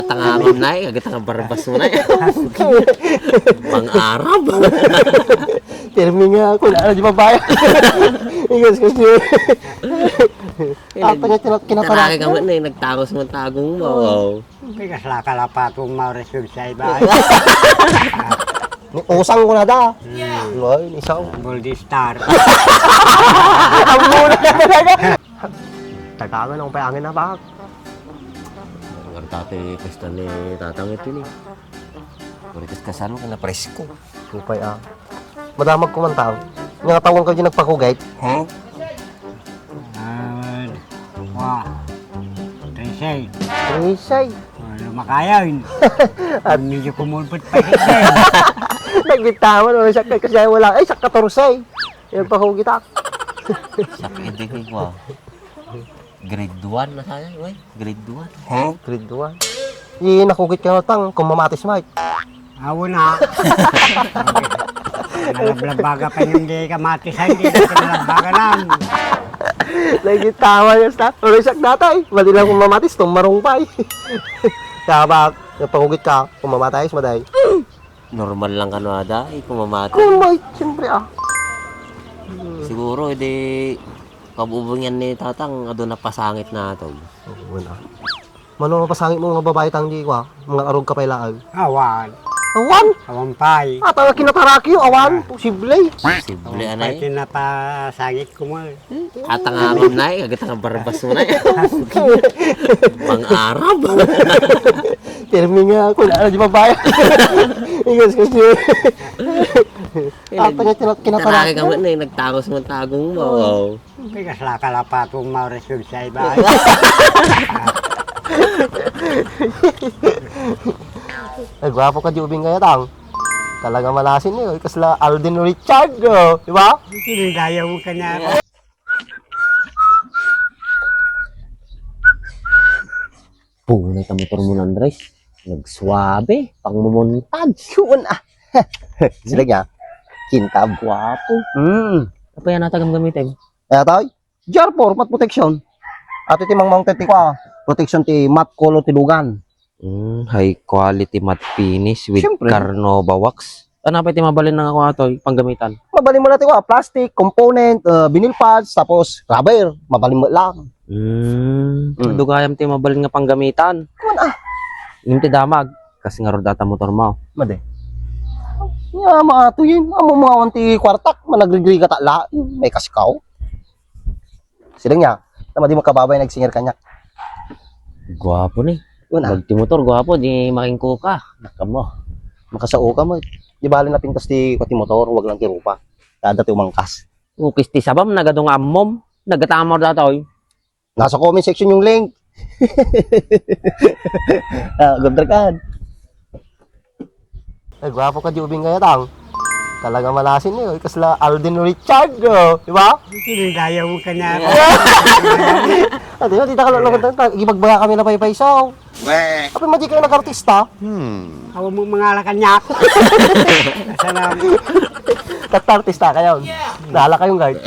Tangangam na eh, agad ang barbas mo na eh. Pang-Arab. Termi nga ako, na di babae. Igas kasi. Tanya Kinaraki ka man eh, nagtangos mo tagong mo. Bigas la kalapatong mauresog sa iba. Usang ko na da. Ay, isaw. Goldie Star. Ang muna na talaga. Tagangan akong payangin na bak. Ang tate, pesta ni tatang ito ni. Kurikas kasano ka na presko. Supay madamag kumantaw. Nga tawang ka dyan nagpakugay. Ha? Wah. Tresay. Isay. Lumakayaw. At medyo kumulpot pa rin. Nagbitawan. Wala siya kasi wala. Ay, sa 14. Yung pakugay tak. Sakit din ko. Grade 1 na sana, wey. Grade 1. Ha? Grade 1. Yung nakugit ka na tang kung mamatis Mike. Awo na. Nalablabaga pa yung di kamatisan. Hindi na nalablaga lang. Nagitawa yung staff. Wala siya datay. Mali lang kung mamatis. Itong marungpay. Kaya ba, napakugit ka, kung mamatay, maday. Normal lang kanada, eh, kung mamati. Kung may, siyempre Siguro, edi, kabubong yan ni tatang, ado na pasangit na ito. Wala. Mano mapasangit mo mga babae tang di ko mga arog ka pailaag. Awan. Awan! Awan pay. Tawa kinataraki yung awan. Posible. Posible, Awan anay. pay tinapasangit ko mo. Atangangam na eh, agad ang barbas mo na eh. Pang-Arab. Termi nga ako, na di babae. Igas kasi. Tanya Kinaraki kinataraki. ka man eh, nagtangos mo tagong mo. Bigas la kalapatong mauresog sa iba. Ay, gwapo ka di ubing kaya tang. Talaga malasin niyo. Kasla Alden Richard, di ba? Sinigaya mo ka na. Punay ka motor mo ng Andres. Nagsuabe, pang mumuntag. Yun Sila niya. Kintab. Guwapo. Apa yan natagam gamitin? Kaya tayo, jar 4, mat protection. At iti mang mounted ti kwa, protection ti mat color ti lugan. High quality matte finish with Siyempre. Carnauba wax. Ano pa iti mabalin ng ako ato, panggamitan? Mabalin mo natin kwa, plastic, component, vinyl pads, tapos rubber, mabalin mo lang. Dugayam ti mabalin nga panggamitan. Kuman Yung ti damag, kasi nga rodata motor mo. Made. Ya, mga tuyin, amo mga wanti kwartak, managrigri ka la, may kasikaw. Sila niya, tama di makababay nagsingir kanya. Gwapo ni. Yun Magti motor, gwapo, di making kuka. Nakamo. makasao ka mo. Di bali na pintas ti kwati motor, wag lang ti rupa. Kada ti umangkas. Ukis ti sabam, nagadong ammom. Nagatamor datoy. Nasa comment section yung link. Gabdrakan. Ay, gwapo ka di ubing kaya tang. Talaga malasin niyo. Kasla Alden Richard, di ba? Sinigaya mo ka na. Ate, tita ka lang gibagbaga kami na paypaysaw. Apa madi kayo nag-artista? Awan mo mga alakanyak. Salam. Tat-artista kayo. Nala kayong guard.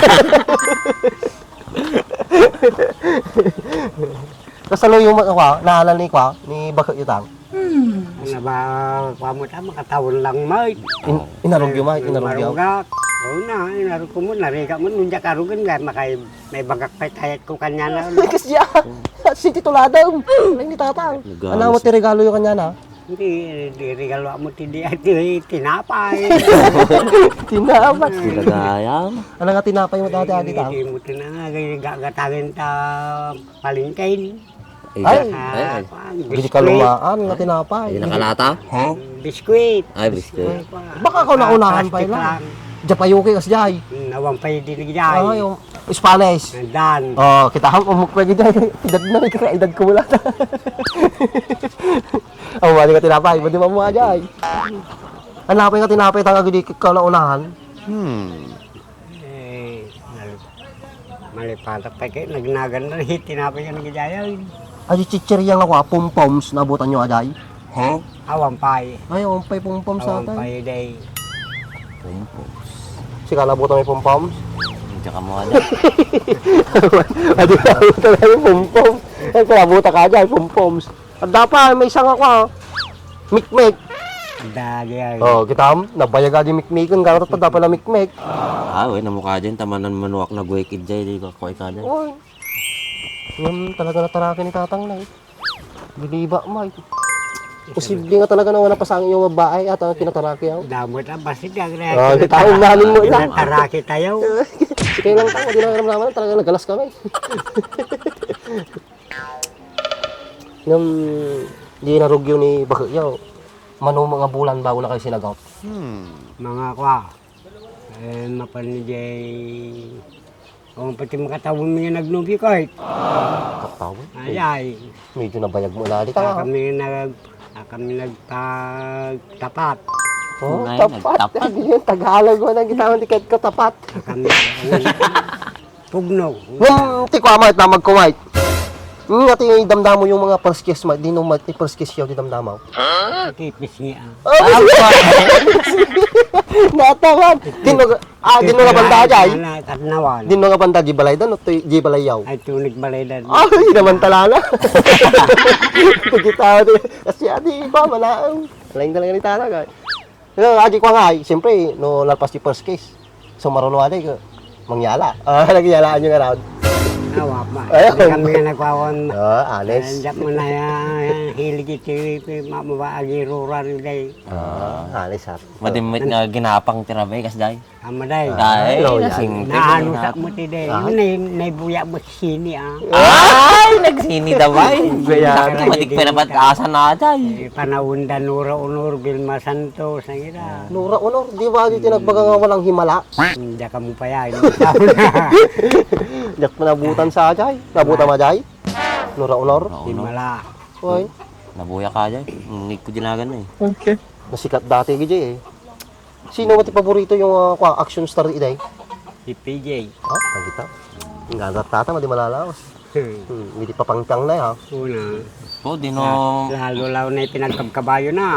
Kasalo yung naalala ni kwa, ni Bakit Yutang. Ano ba, mo ta, makatawon lang mo. Inarog yung Mike, inarog yung. Marugak. Oo na, inarog ko mo, nariga mo, nunjak arugan nga, may bagak pa tayat ko kanya na. Kasi siya, si tituladong. Ay, ni tatang. Ano mo ti regalo yung kanya na? Hindi, regalo mo tinapay. Tinapay. Silagayam. Ano nga tinapay mo dati adi tang? Hindi mo tinapay, gagatagin ta palingkain. Ay, Bili ka lumaan nga Ay, tinapay. nakalata? Biskuit. Ay, biscuit. Baka ako naunahan pa lang. Japayuki kas jay. Nawang pa yung diligay. Ah, yung Spanish. Dan. Oh, kita ham umuk pa gid. Edad na kaya edad ko wala. Oh, wali ka tinapay, pwede mo ajay. Hanapay nga tinapay tanga gid ka naunahan. Eh, malipatak pa kayo, nagnagan na rin, tinapay ka nagjayaw. Ay chichirya nga kwa pom-poms nabutan nyo ajay. Awang pay. Ay, umpay pom-poms sa Awang atay. pay day. Si kalabutan may pom-poms. Tsaka mo ano. Adi kalabutan may pom-poms. Ay, kalabutan ka ajay pom-poms. At dapat, may isang ako, ha. Mikmek. Dagi ay. Oh, kita nabayaga di mikmikan ka ta dapat na mikmek. We, namukha dyan, tamanan manuak na guwekid dyan, di ka kuhay ka dyan. Oy. Yan talaga natarakin ni tatang na. Biliba may. Posible nga talaga na wala pasangin yung babae at ang kinataraki ako. Damot ang basit ang Ah, taong namin mo ina. Taraki tayo. Sige lang tayo, di na naman talaga nagalas kami. Nang di narugyo ni Bakyaw. Mano mga bulan bago na kayo sinagaw. Mga kwa. Mapanijay. O pati makatawin mo yung nagnubi ko eh. Katawin. Ay. Medyo nabayag mo na. Di ka nga. Kami nagpagtapat. Oh, Ngay, tapat. nagtapat. Hindi yung Tagalog mo nang gitawan tiket ko tapat. Kami pugno. Nung tikwamait na magkumait. Nga tingin damdam mo yung mga first kiss mo. Di nung first kiss yaw di damdam mo. Tipis niya. Natawan. Di nung nga banda jay. Katnawan. Di nung nga banda di balay dan o di balay yaw. Ay tunig balaydan. Ay, naman talala. Pagkita di. Kasi adi ba manaang. Lain talaga ni talaga. Aji ko nga, siyempre, no lalpas di first kiss. So marunong aday ko. Mangyala. Nagyalaan yung around. Awa pa. Ayun. Hindi kami nga nagwawan. Honest. Andiyan mo na yan. Hilig ito. Mamabaagi rural day. Honest ha. Madimit nga ginapang tirabe, kas day. Amaday. Day, Hello, nasing Naano sa mo ti day. Naibuya mo si sini ah. Ay, nagsini daw ay. Gaya. Madik pa naman asa na day. Panahon da Nura Unor, Vilma Santos, ang ira. Nura Honor, di ba di tinagbaga nga walang himala? Hindi ka mo pa yan. Yak manabutan sa ajay. Nabutan majay. Nura Honor. Himala. Hoy, Nabuya ka dyan. Ngig ko dinagan na eh. nasikat dati gijay eh. Sino mo ti paborito yung action star iday? Si PJ. Nakita. Ngagat tata madi malalawas. Hindi pa pangtang na ha. Una. Po, di no... Lalo law na pinagkabkabayo na.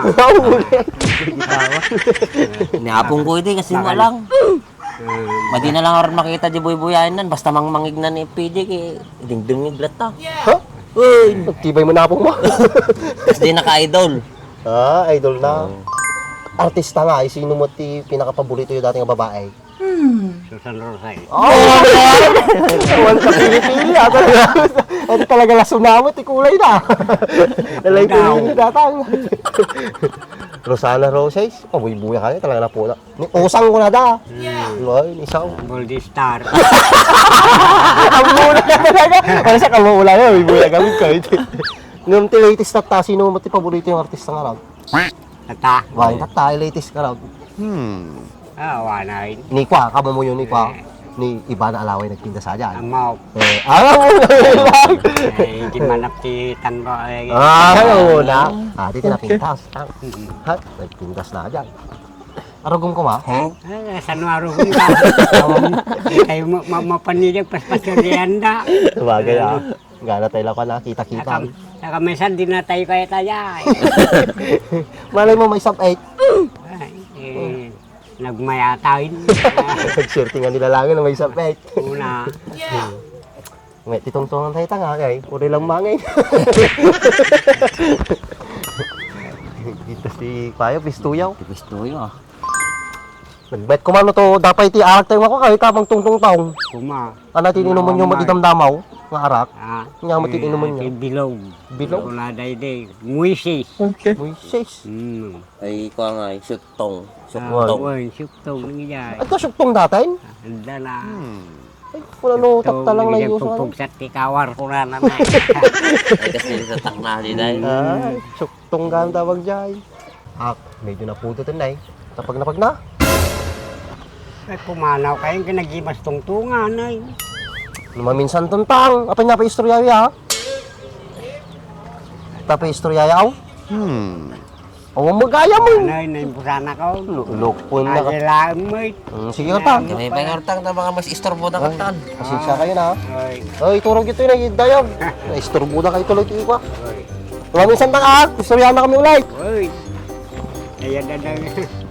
Niapong ko ito kasi mo lang. Madi na lang aron makita di buy-buyain nan. Basta mangmangig na ni PJ kay dingdingig lata. Ha? Uy, nagtibay mo na po mo. Tapos di naka-idol. Idol na. Artista nga, sino mo ti pinakapaborito yung dating babae? Susan Rosay. Awan ka pili-pili ha. Ito talaga lasunamot, kulay na. Nalay pili datang. Rosana Roses, pabuy-buya ka talaga na po na. Usang ko na da. Ay, isaw. Goldie Star. Ang muna ka talaga. Wala sa kamula yun, buya gamit ka. Nung ti latest na ta, sino mo ti paborito yung artista nga raw? Tata. Wala ta, latest ka raw. Wala rin. Ni Kwa, kamo mo yun ni Kwa. Ni iba na alaway nagtinda sa dyan. Amaw. Hindi manap si Tanro. Oo na. Dito na pintas. Ha? Nagtindas na dyan. Arugong ko ma? Sa nuaro ko nga. Kayo mapanilig paspas yung rianda. Sabagay Gana tayo lang ka na, kita-kita. Saka minsan di na tayo kaya tayo. Malay mo may sub-8. Nagmayatain. Nag-shirting nga nilalangin na may sub-8. Una. May titong-tungan tayo tanga kay. Puri lang mangay. Dito si Payo, pistuyaw. Tipis tuyo ah. Nagbet ko man to, dapat iti-arak tayo ako kahit habang tungtung-taong. Kuma. Ano tininuman yung matidamdamaw? Nga arak? Nga matininuman niya. Bilog. Bilog? Wala day. Muisis. Moises. Ay, ko nga ay syuktong. Uy, syuktong nangyayari. At kasyuktong datin? Anda na. Ay, wala no, takta lang na yung Pupug sa tikawar ko na naman. Ay, kasi sa takna di day. Ay, syuktong gan tawag dyan. Medyo naputo din na eh. Tapag na. Ay, pumanaw kayong kinagimas tungtungan ay. Maminsan tuntang. Apa niya pa istorya ya? Tapi istorya yaw? O magaya mo. Anay, naimbusana ko. Lukpon na ka. Kailangan mo eh. Sige ka ta. May pangartang na mga mas istorbo na katan. Pasensya kayo na. Ay, Ay, turog ito yung nagidayag. Naisturbo na kayo tuloy tiwa. Maminsan tang istorya na kami ulit. Uy. Ayan na lang.